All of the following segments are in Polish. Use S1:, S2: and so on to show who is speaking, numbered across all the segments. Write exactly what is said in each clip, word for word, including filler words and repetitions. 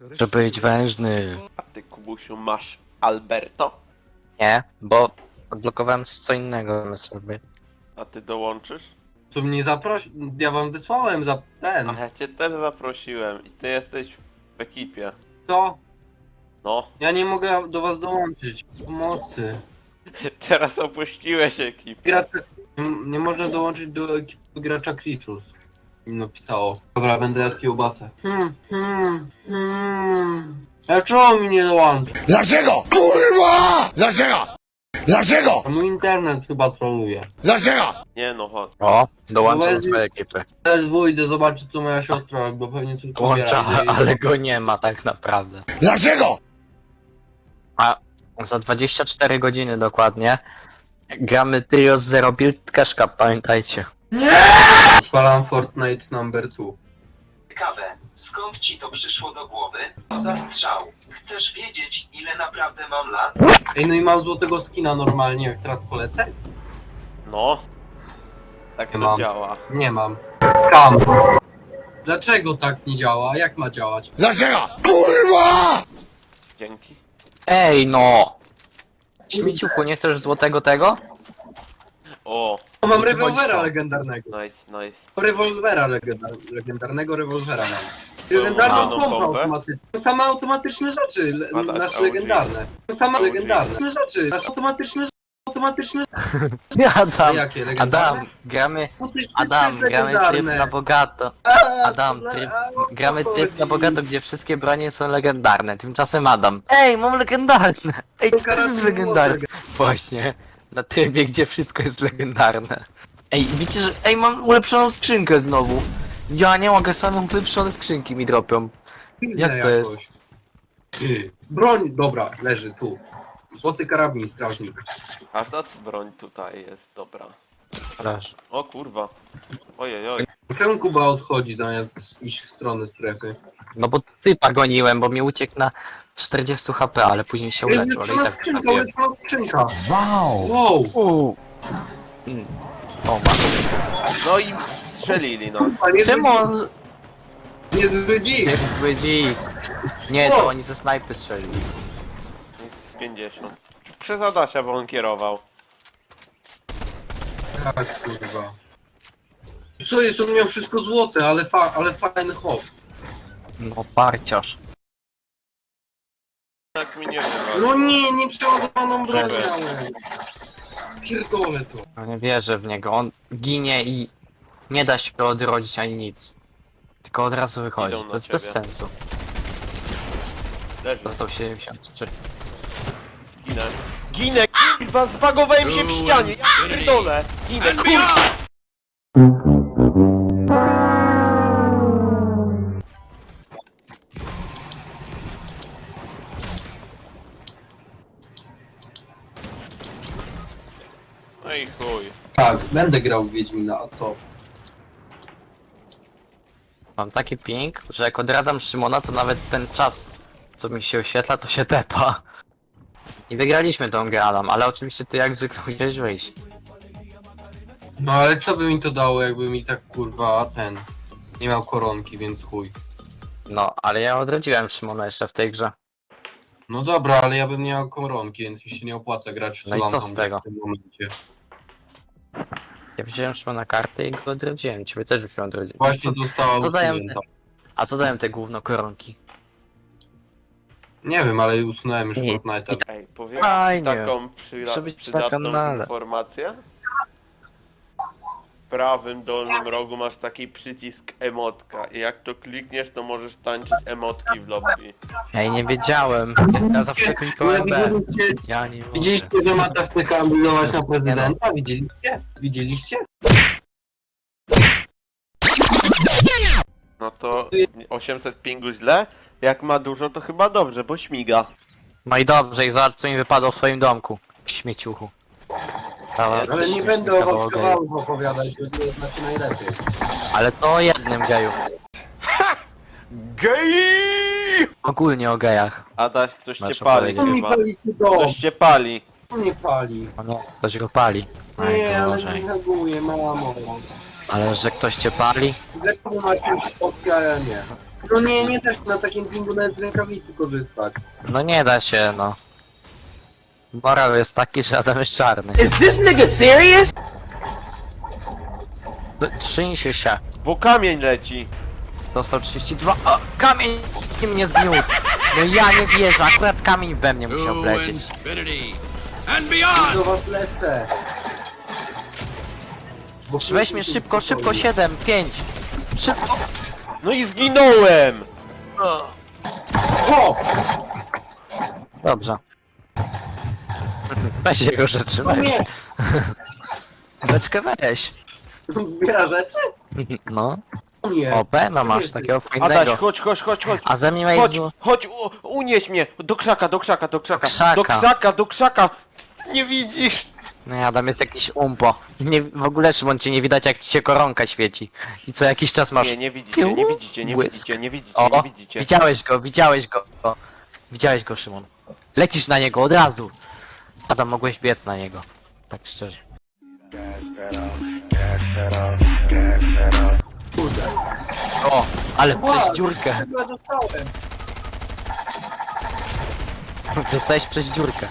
S1: Żeby być wężny.
S2: A ty, Kubusiu, masz Alberto?
S1: Nie, bo odblokowałem co innego sobie.
S2: A ty dołączysz?
S3: Tu mnie zaprosi... Ja wam wysłałem za ten.
S2: A ja cię też zaprosiłem i ty jesteś w ekipie.
S3: To?
S2: No,
S3: Ja nie mogę do was dołączyć. Pomocy.
S2: teraz opuściłeś ekipę.
S3: Gracza... Nie, nie można dołączyć do ekipy gracza Krichus. Mi napisało. Dobra, będę jadł kiełbasę. Hmm, hmm, hmm. A czemu mi nie dołączy?
S4: Dlaczego? Kurwa! Dlaczego? Dlaczego?
S3: A mój internet chyba troluje.
S4: Dlaczego?
S2: Nie no, chodź.
S1: O, dołączę do
S3: Weź-
S1: twojej ekipy.
S3: Teraz wyjdę zobaczyć co moja siostra robi, bo pewnie coś
S1: Dołącza,
S3: pobiera i-
S1: ale go nie ma tak naprawdę.
S4: Dlaczego?
S1: A za dwadzieścia cztery godziny dokładnie gramy trio z Zero Build Cash Cup, pamiętajcie.
S3: Odpalam Fortnite number two.
S5: Ciekawe, skąd ci to przyszło do głowy? To za strzał. Chcesz wiedzieć, ile naprawdę mam lat?
S3: Ej, no i mam złotego skina normalnie, jak teraz polecę?
S2: No. Tak to
S3: Nie mam.
S2: działa.
S3: Nie mam. Skam. Dlaczego tak nie działa? Jak ma działać?
S4: Dlaczego? Kurwa!
S2: Dzięki.
S1: Ej no! Śmieciuchu, nie chcesz złotego tego?
S2: O,
S3: O, mam
S1: No to chodź
S3: rewolwera
S1: to.
S3: legendarnego.
S2: nice, nice.
S3: Rewolwera legenda- legendarnego rewolwera mam.
S2: Tą
S3: Legendarną
S2: łaną
S3: pompę
S2: pompę?
S3: automatyczną. Same automatyczne rzeczy, le-
S2: A tak,
S3: nasze
S2: O G.
S3: legendarne. Same
S2: O G.
S3: legendarne rzeczy, nasze automatyczne rzeczy. Automatyczne
S1: Adam,
S3: jakie legendarne?
S1: Adam, gramy,
S3: Automatyczne
S1: Adam,
S3: jest
S1: gramy tryb
S3: legendarne.
S1: na bogato.
S3: A,
S1: Adam,
S3: to-
S1: tryb,
S3: a, o co
S1: gramy tryb na
S3: chodzi?
S1: bogato, gdzie wszystkie bronie są legendarne. Tymczasem Adam. Ej, mam legendarne! Ej,
S3: To
S1: co to jest
S3: karabin
S1: legendarne?
S3: młodego.
S1: Właśnie, na trybie, gdzie wszystko jest legendarne. Ej, widzicie, że... Ej, mam ulepszoną skrzynkę znowu. Ja nie mogę, samą ulepszone skrzynki mi dropią.
S3: Widzę
S1: Jak to jest?
S3: jakoś. Ty, broń, dobra, leży tu. Złoty karabin, strażnik.
S2: Aż ta broń tutaj jest, dobra.
S1: Proszę.
S2: O kurwa. Ojej, oj.
S3: Czemu Kuba odchodzi zamiast iść w stronę strefy?
S1: No bo typa goniłem, bo mi uciekł na czterdzieści H P, ale później się
S3: Ej,
S1: uleczył, ale i
S3: ulepszona
S1: tak
S3: skrzynka,
S1: trafiłem.
S3: ulepszona skrzynka.
S4: Wow!
S3: Wow,
S1: Uuu. Mm. O, ma.
S2: No i strzelili, no.
S3: kurwa, niezły
S1: Czemu on...
S3: dzik, niezły dzik.
S1: Jest zły dzik. Nie, to oni ze snajpy strzelili.
S2: pięćdziesiąt. Przez Adasia, bo on kierował.
S3: Tak, kurwa. Co jest, on miał wszystko złote, ale, fa ale fajny hop.
S1: No, farciarz.
S2: Tak mi nie wywalił.
S3: No nie, nie przeładowaną broń
S2: Żeby.
S3: miałem. Pierdolę to.
S1: No nie wierzę w niego, on ginie i nie da się go odrodzić ani nic. Tylko od razu wychodzi,
S2: Idą na
S1: to jest
S2: ciebie.
S1: bez sensu.
S2: Leży.
S1: Dostał siedemdziesiąt trzy.
S2: Ginę. Ginę, kurwa, zbagowałem się w ścianie. Ja pierdolę. Ginę, kurwa. No i chuj.
S3: Tak, będę grał w Wiedźmina, a co?
S1: Mam taki ping, że jak odradzam Szymona, to nawet ten czas, co mi się oświetla, to się tepa. I wygraliśmy tą grę, Adam, ale oczywiście ty jak zwykle musiałeś wyjść.
S3: No ale co by mi to dało, jakby mi tak kurwa ten... Nie miał koronki, więc chuj.
S1: No, ale ja odrodziłem Szymona jeszcze w tej grze.
S3: No dobra, ale ja bym nie miał koronki, więc mi się nie opłaca grać w
S1: No i co
S3: Solantą
S1: z tego?
S3: w tym momencie.
S1: Ja wziąłem Szymona kartę i go odrodziłem, ciebie też byśmy odrodzili.
S3: Właśnie
S1: Co,
S3: została
S1: co dają te,
S3: usunięta.
S1: a co dają te gówno koronki?
S3: Nie wiem, ale usunąłem już
S1: Nic.
S3: Fortnite'a.
S2: Ej, powiem
S1: Fajnie.
S2: taką przyda-
S1: Muszę być na
S2: przydatną
S1: kanale.
S2: informację. W prawym dolnym rogu masz taki przycisk emotka i jak to klikniesz, to możesz tańczyć emotki w lobby.
S1: Ej, nie wiedziałem. Ja zawsze klikałem B.
S3: Widzieliście,
S1: Ja nie mogę.
S3: widzieliście, że Mata chce kandydować na prezydenta? Widzieliście? Widzieliście?
S2: No to osiemset pingu źle, jak ma dużo to chyba dobrze, bo śmiga.
S1: No i dobrze, i zobacz co mi wypadło w twoim domku. Śmieciuchu. Dała-
S3: Ale nie
S1: śmieszny
S3: będę o was
S1: kawał geju.
S3: kawałów opowiadać, bo to znacie najlepiej.
S1: Ale to o jednym geju.
S2: Gej!
S1: Ogólnie o gejach.
S2: Adaś, ktoś cię
S1: Masz
S2: pali
S1: opowiedzieć.
S3: On mi
S2: chyba.
S3: pali to,
S2: Ktoś cię pali.
S3: on nie pali.
S1: O nie, ktoś go pali.
S3: Nie, ale nie
S1: Najgorzej.
S3: reaguje, mamo.
S1: Ale że ktoś cię pali?
S3: Dlaczego masz już spotkania, nie? No nie, nie też na takim pingu nawet z rękawicy korzystać.
S1: No nie da się, no. Moral jest taki, że Adam jest czarny.
S6: Is this nigga serious?
S1: Trzyń się się.
S2: Bo kamień leci.
S1: Dostał trzydzieści dwa. O, kamień mnie zgniótł. No ja nie wierzę, akurat kamień we mnie musiał wlecieć.
S3: Do was lecę. Bo
S1: Weź mnie szybko, szybko, siedem, pięć. Szybko.
S2: No i zginąłem!
S3: O!
S1: Dobrze. Weź jego rzeczy,
S3: No
S1: weź.
S3: nie!
S1: Beczkę weź.
S3: On zbiera rzeczy?
S1: No.
S3: O nie.
S1: O, Bema masz
S3: Jest.
S1: takiego
S2: Adaś,
S1: fajnego.
S2: chodź, chodź, chodź, chodź.
S1: A ze mnie
S2: Chodź,
S1: jest...
S2: chodź, u, unieś mnie! Do krzaka, do krzaka, do krzaka!
S1: krzaka.
S2: Do krzaka, do krzaka! Nie widzisz!
S1: No ja tam jest jakiś umpo. Nie, w ogóle Szymon cię nie widać jak ci się koronka świeci. I co jakiś czas masz...
S2: Nie, nie widzicie, nie widzicie, nie
S1: Błysk.
S2: widzicie, nie widzicie,
S1: O,
S2: nie widzicie.
S1: widziałeś go, widziałeś go. O, widziałeś go, Szymon. Lecisz na niego od razu. Adam, mogłeś biec na niego. Tak szczerze.
S3: Kurde.
S1: O, ale
S3: Wow,
S1: przez dziurkę.
S3: chyba dostałem.
S1: Dostałeś przez dziurkę.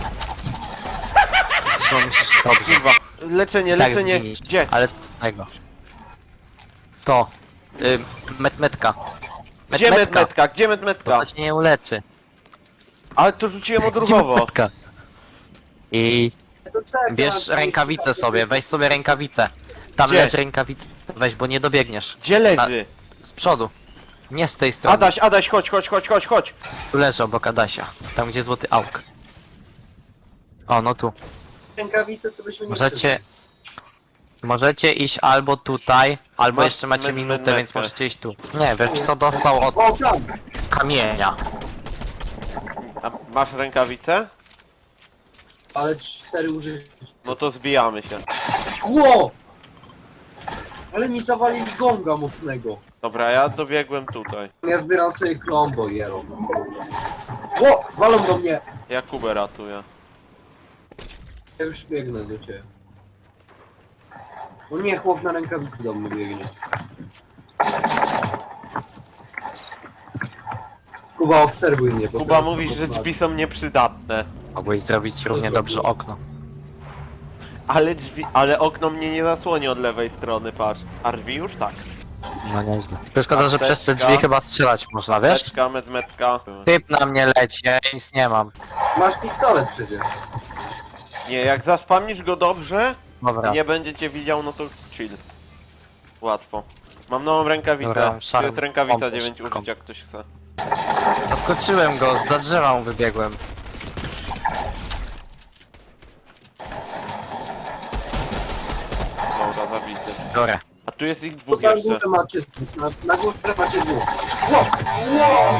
S1: Szymon, musisz... Dobrze.
S2: Kurwa, leczenie,
S1: Tak,
S2: leczenie,
S1: zginiesz.
S2: gdzie?
S1: Ale z tego. To. Y, metmetka.
S2: Gdzie medmetka, gdzie medmetka?
S1: To cię nie uleczy.
S2: Ale to rzuciłem
S1: Gdzie
S2: odruchowo.
S1: metmetka? I
S3: To czekam,
S1: bierz
S3: to
S1: rękawicę
S3: jest-
S1: sobie, weź sobie rękawicę. Tam
S2: Gdzie?
S1: leży rękawica. Weź, bo nie dobiegniesz.
S2: Gdzie leży?
S1: Z przodu. Nie z tej strony.
S2: Adaś, Adaś, chodź, chodź, chodź, chodź, chodź.
S1: Tu leży obok Adasia. Tam gdzie złoty auk. O, no tu.
S3: Rękawice to byśmy nie
S1: Możecie... Możecie iść albo tutaj, albo
S2: Masz
S1: jeszcze macie
S2: med-
S1: minutę,
S2: medmetkę.
S1: więc możecie iść tu. Nie, wiesz co dostał od
S3: O, tam!
S1: kamienia.
S2: A masz rękawicę?
S3: Ale cztery użyć.
S2: No to zbijamy się.
S3: Ło! Ale mi zawalili gonga mocnego.
S2: Dobra, ja dobiegłem tutaj.
S3: Ja zbieram sobie klombo, jelo. Ło! Walą do mnie!
S2: Ja Kubę ratuję.
S3: Ja już biegnę do ciebie. O nie, chłop na rękawicy do mnie biegnie. Kuba, obserwuj mnie. bo
S2: Kuba
S3: teraz
S2: mówi, że
S3: obok
S2: drzwi są nieprzydatne.
S1: Mogłeś zrobić równie dobrze okno.
S2: Ale drzwi, ale okno mnie nie zasłoni od lewej strony, patrz. A drzwi już tak.
S1: No nieźle. Tylko szkoda, że przez te
S2: Apteczka.
S1: drzwi chyba strzelać można, wiesz?
S2: Metka, medmetka.
S1: Typ na mnie leci, ja nic nie mam.
S3: Masz pistolet przecież.
S2: Nie, jak zaspamisz go dobrze
S1: Dobra,
S2: i nie będzie cię widział, no to chill. Łatwo. Mam nową rękawicę.
S1: Dobra,
S2: To
S1: szarm.
S2: jest rękawica
S1: Pompę
S2: dziewięć
S1: szybką.
S2: użyć, jak ktoś chce.
S1: zaskoczyłem go, za drzewa mu wybiegłem.
S2: Dobra, zabity.
S1: Dobra.
S2: A tu jest ich
S3: To
S2: dwóch
S3: na
S2: jeszcze.
S3: górze macie, na, na górze macie dwóch. Ło! Ło!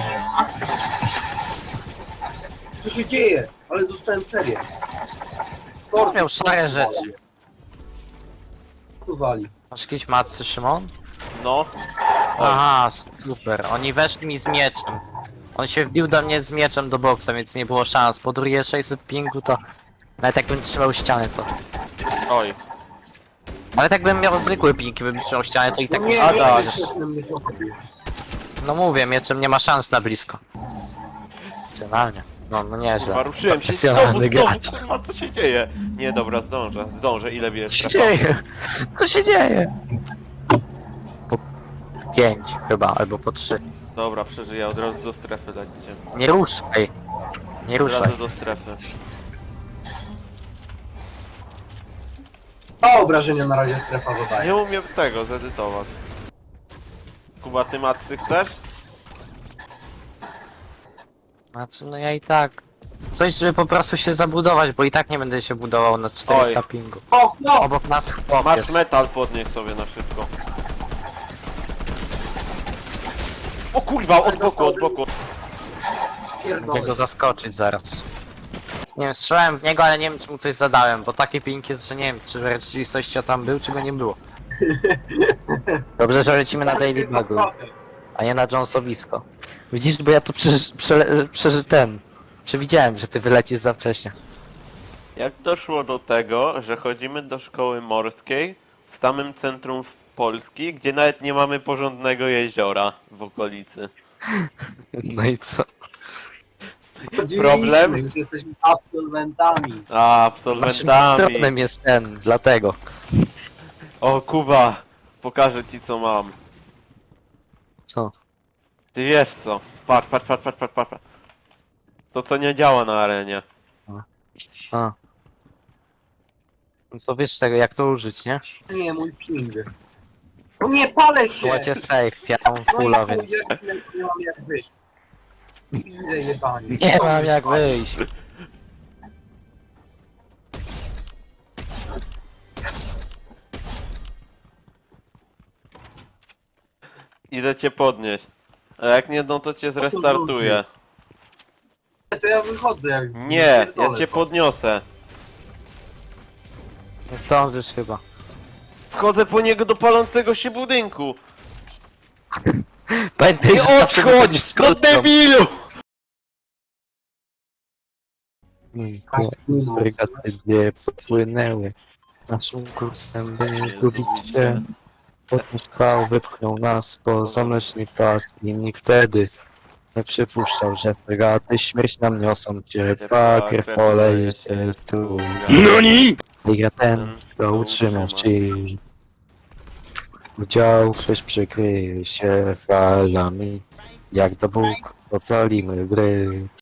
S3: Co się dzieje? Ale dostałem serię. Sport,
S1: Miał szare rzeczy.
S3: Tu wali.
S1: Masz jakieś macy, Szymon?
S2: No. Oj.
S1: Aha, super. Oni weszli mi z mieczem. On się wbił do mnie z mieczem do boksa, więc nie było szans. Po drugie sześćset pingu to... Nawet jakbym trzymał ścianę to...
S2: Oj.
S1: Nawet jakbym miał zwykły ping i bym trzymał ścianę to i tak...
S3: No nie,
S1: A,
S3: nie,
S1: da,
S3: nie, nie, nie, nie, nie.
S1: no mówię, mieczem nie ma szans na blisko. Racjonalnie. No, no nieźle.
S2: Kurwa, ruszyłem się. Znowu,
S1: Profesjonalny
S2: znowu,
S1: gracz.
S2: kurwa, co się dzieje? Nie, dobra, zdążę. Zdążę, ile
S1: Co
S2: bierz?
S1: się dzieje? Co się dzieje? Po pięć chyba, albo po trzy.
S2: Dobra, przeżyję, od razu do strefy dajcie.
S1: Nie ruszaj. Nie
S2: Od
S1: ruszaj.
S2: razu do strefy.
S3: A obrażenia na razie strefa zadaje.
S2: Nie umiem tego zedytować. Kuba, ty macy chcesz?
S1: Znaczy, no ja i tak... Coś, żeby po prostu się zabudować, bo i tak nie będę się budował na czterysta
S2: Oj.
S1: pingu.
S3: O, no!
S1: Obok nas chłop
S2: Masz
S1: jest.
S2: metal, podnieś sobie na szybko. O kurwa, od boku, od boku.
S1: Mogę
S3: Pierdolę.
S1: go zaskoczyć zaraz. Nie wiem, strzelałem w niego, ale nie wiem, czy mu coś zadałem, bo taki ping jest, że nie wiem, czy w rzeczywistości tam był, czy go nie było. Dobrze, że lecimy na Daily Bugu, a nie na Jonesowisko. Widzisz, bo ja to przeży, prze, przeży ten... Przewidziałem, że ty wylecisz za wcześnie.
S2: Jak doszło do tego, że chodzimy do szkoły morskiej w samym centrum Polski, gdzie nawet nie mamy porządnego jeziora w okolicy.
S1: No i co?
S2: Problem?
S3: Już jesteśmy absolwentami.
S2: A,
S1: Naszym
S2: absolwentami.
S1: patronem jest ten, dlatego.
S2: O, Kuba, pokażę ci co mam.
S1: Co?
S2: Ty wiesz co? Patrz, patrz, patrz, patrz, patrz, patrz. To co nie działa na arenie.
S1: A. No to wiesz tego, jak to użyć, nie?
S3: Nie, mój ping. No nie palę się!
S1: Słuchajcie safe, ja mam fulla,
S3: No i
S1: więc
S3: chuj, jak nie mam jak wyjść. Ile jebani.
S1: nie mam jak wyjść.
S2: Idę cię podnieść. A jak nie, no to cię zrestartuję.
S3: To ja wychodzę jak...
S2: Nie, ja
S3: pierdolę
S2: cię
S3: to.
S2: podniosę.
S1: Nie zdążysz chyba.
S2: Wchodzę po niego do palącego się budynku.
S1: Pamiętaj,
S2: Nie
S1: że zawsze
S2: odchodź!
S1: wychodzisz z
S2: Do
S1: kłódką.
S2: debilu!
S1: Regaty dwie popłynęły naszym kursem, by nie zgubić się. Potem trwał, wypchnął nas po mleczny pas i nikt wtedy nie przypuszczał, że fregaty śmierć nam niosą ciepła, krew poleje się tu.
S4: NANI?!
S1: Liga ten, kto utrzyma ci. Dział ktoś przykryje się falami, jak do Bóg ocalimy gry.